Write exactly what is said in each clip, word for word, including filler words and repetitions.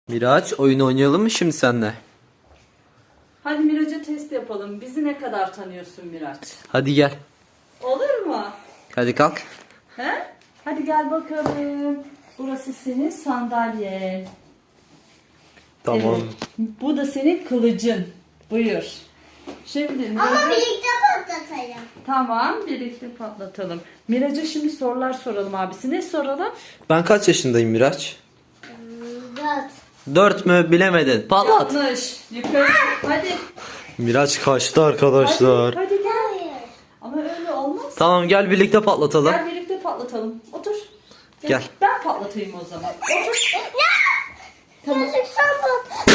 Miraç, oyun oynayalım mı şimdi seninle? Hadi Miraç'a test yapalım. Bizi ne kadar tanıyorsun Miraç? Hadi gel. Olur mu? Hadi kalk. He? Hadi gel bakalım. Burası senin sandalyen. Tamam. Evet. Bu da senin kılıcın. Buyur. Şimdi Miraç'a... Ama birlikte patlatalım. Tamam, birlikte patlatalım. Miraç'a şimdi sorular soralım abisi. Ne soralım? Ben kaç yaşındayım Miraç? Dört. Dört mü bilemedin. Patlat. Yanlış. Yukarı. Hadi. Miraç kaçtı arkadaşlar. Hadi, hadi gel. Hayır. Ama öyle olmaz. Tamam gel birlikte patlatalım. Gel birlikte patlatalım. Otur. Gel. Ben patlatayım o zaman. Otur. Tamam. Yazık sen pat.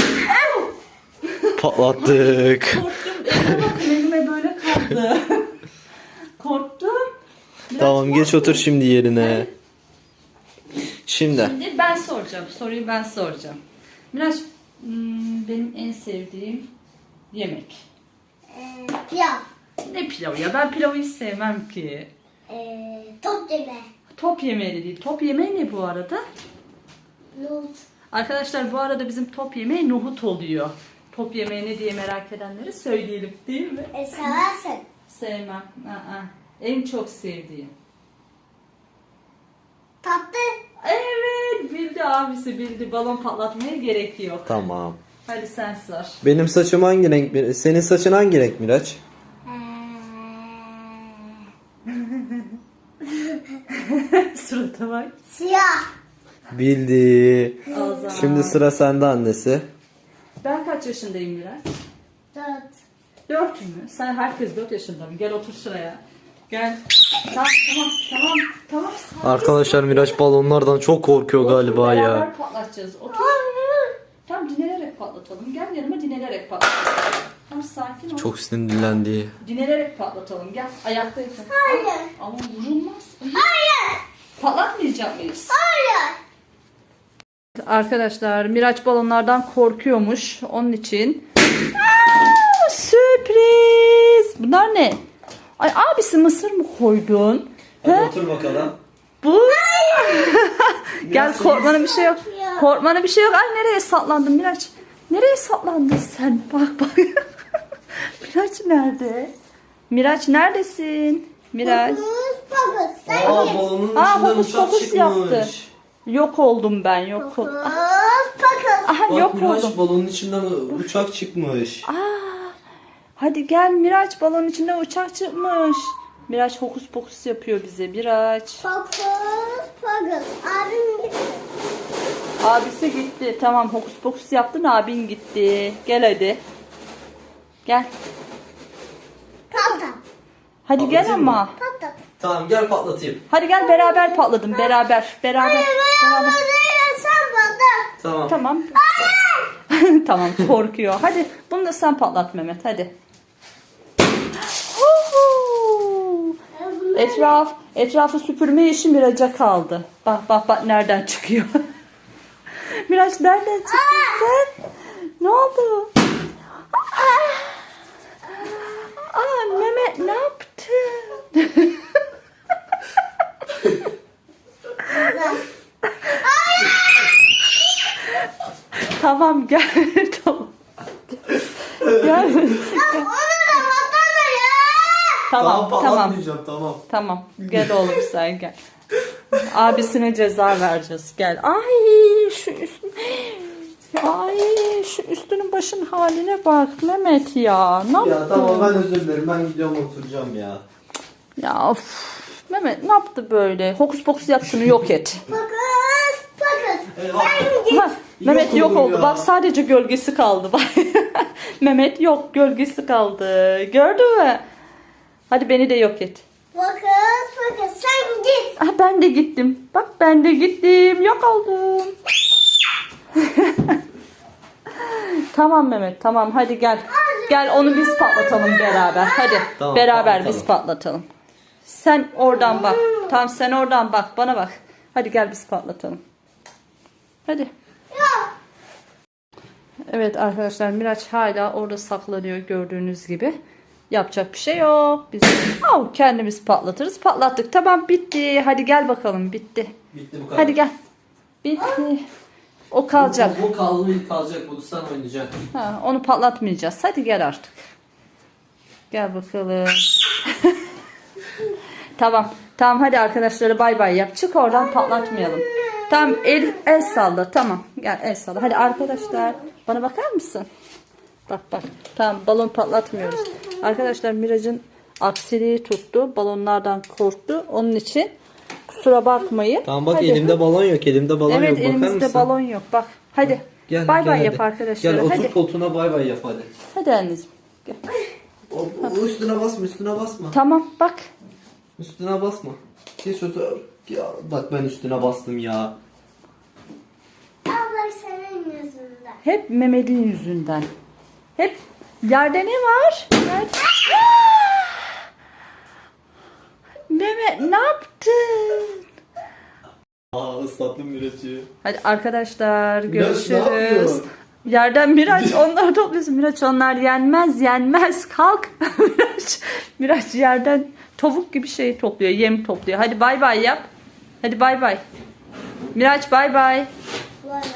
Patlattık. Korktum. Elime bakın, elime böyle kaldı. Korktum. Biraz Tamam geç korktum. otur şimdi yerine. Şimdi. Şimdi ben soracağım. Soruyu ben soracağım. Miraç, hmm, benim en sevdiğim yemek. Ee, pilav. Ne pilavı ya? Ben pilavı hiç sevmem ki. Ee, top yeme. Top yemeği de değil. Top yemeği ne bu arada? Nohut. Arkadaşlar bu arada bizim top yemeği nohut oluyor. Top yemeği ne diye merak edenleri söyleyelim değil mi? E, seversin. Sevmem. Aa, en çok sevdiğim. Tatlı. Evet, bildi abisi bildi. Balon patlatmaya gerek yok. Tamam. Hadi sen sor. Benim saçım hangi renk? Senin saçın hangi renk Miraç? Surata bak. Siyah. Bildi. O zaman. Şimdi sıra sende annesi. Ben kaç yaşındayım Miraç? Dört. Dört mü? Sen herkes dört yaşında mı? Gel otur şuraya. Gel. Tamam tamam tamam. Tamam. sakin. Arkadaşlar Miraç balonlardan çok korkuyor Otur, galiba beraber ya. patlatacağız. Otur. Hayır. Tamam, dinelerek patlatalım. Gel yanıma, dinelerek patlatalım. Tamam, sakin ol. Çok sinirlendi. Dinelerek patlatalım. Gel ayakta yatın. Hayır. Ama vurulmaz. Hayır. Patlatmayacak mıyız? Hayır. Arkadaşlar Miraç balonlardan korkuyormuş. Onun için. Aa, sürpriz. Bunlar ne? Ay abisi, mısır mı koydun? Hadi He? otur bakalım. Bu. Gel, Biraz korkmana bir şey yok. Ya. Korkmana bir şey yok. Ay nereye saplandın Miraç? Nereye saplandın sen? Bak bak. Miraç nerede? Miraç neredesin? Miraç. Fokus fokus. Sen Aa git. balonun Aa, içinden fokus uçak fokus çıkmış. yaptı. Yok oldum ben, yok Fokus oldum. fokus. Aha, Bak yok Miraç oldum. balonun içinden uçak çıkmış. Aa, hadi gel Miraç, balonun içinde uçak çıkmış. Miraç hokus pokus yapıyor bize. Miraç. Fokus fokus. Abim gitti. Abisi gitti. Tamam, hokus pokus yaptın, abin gitti. Gel hadi. Gel. Patlat. Hadi gel Patlatayım mı? ama. Patlat. Tamam gel patlatayım. Hadi gel, beraber patladım. Beraber. Beraber. Hayır Beraber. hayır sen patlat. Tamam. Tamam. Tamam, korkuyor. Hadi bunu da sen patlat Mehmet, hadi. Huhu. Etraf, etrafı süpürme işi Miraç'a kaldı. Bak bak bak nereden çıkıyor. Miraç nereden çıktın sen? Ne oldu? Aa, Aa, Mehmet ne yaptın? Tamam gel. Tamam. Gel. Onu da patlat ya. Tamam tamam. patlatmayacağım tamam. Tamam. Gel oğlum sen gel. Abisine ceza vereceğiz. Gel. Ay şu üstün. Ay şu üstünün başın haline bak Mehmet ya. Ne yaptın? Ya tamam ben özür dilerim ben gidiyorum oturacağım ya. Ya of. Mehmet ne yaptı böyle? Hokus pokus yap, şunu yok et. Fokus fokus. Eyvah. Ha, Mehmet Yok yok oldum oldu. ya. Bak sadece gölgesi kaldı. Bak. Mehmet yok, gölgesi kaldı. Gördün mü? Hadi beni de yok et. Fokus fokus. Sen git. Ah, ben de gittim. Bak ben de gittim. Yok oldum. Tamam Mehmet, tamam hadi gel. Gel onu biz patlatalım beraber. Hadi Tamam, beraber patlatalım. biz patlatalım. Sen oradan bak. Tamam sen oradan bak, bana bak. Hadi gel biz patlatalım. Hadi. Yok. Evet arkadaşlar, Miraç hala orada saklanıyor gördüğünüz gibi. Yapacak bir şey yok. Biz Au, kendimiz patlatırız. Patlattık. Tamam bitti. Hadi gel bakalım, bitti. Bitti bu kadar. Hadi gel. Bitti. O kalacak. Bu, bu kaldı kalacak. Bunu sen oynayacaksın. Ha, onu patlatmayacağız. Hadi gel artık. Gel bakalım. Tamam. Tamam hadi arkadaşlara bay bay yap. Çık oradan, patlatmayalım. Tamam el, el salla. Tamam. Gel el salla. Hadi arkadaşlar. Bana bakar mısın? Bak bak. Tamam balon patlatmıyoruz. Arkadaşlar Miraç'ın aksiliği tuttu. Balonlardan korktu. Onun için kusura bakmayın. Tamam bak Hadi. elimde balon yok. Elimde balon Evet yok. Bakar elimizde mısın? balon yok. Bak hadi. Gel, Bay gel bay hadi. yap arkadaşlara. Gel otur Hadi. koltuğuna bay bay yap hadi. Hadi anneciğim. Gel. O, o üstüne basma üstüne basma. Tamam bak. Üstüne basma. Geç otur. Ya, bak ben üstüne bastım ya. Abla senin yüzünden. Hep Mehmet'in yüzünden. Hep yerde ne var? Yerde... Mehmet ne yaptın? Aa ıslattım Miraç'ı. Hadi arkadaşlar Miraç ne görüşürüz. yapıyor? Yerden Miraç onları topluyorsun. Miraç onlar yenmez yenmez. Kalk. Miraç, Miraç yerden tavuk gibi şey topluyor. Yem topluyor. Hadi bay bay yap. Hadi bay bay. Miraç bay bay. Vay.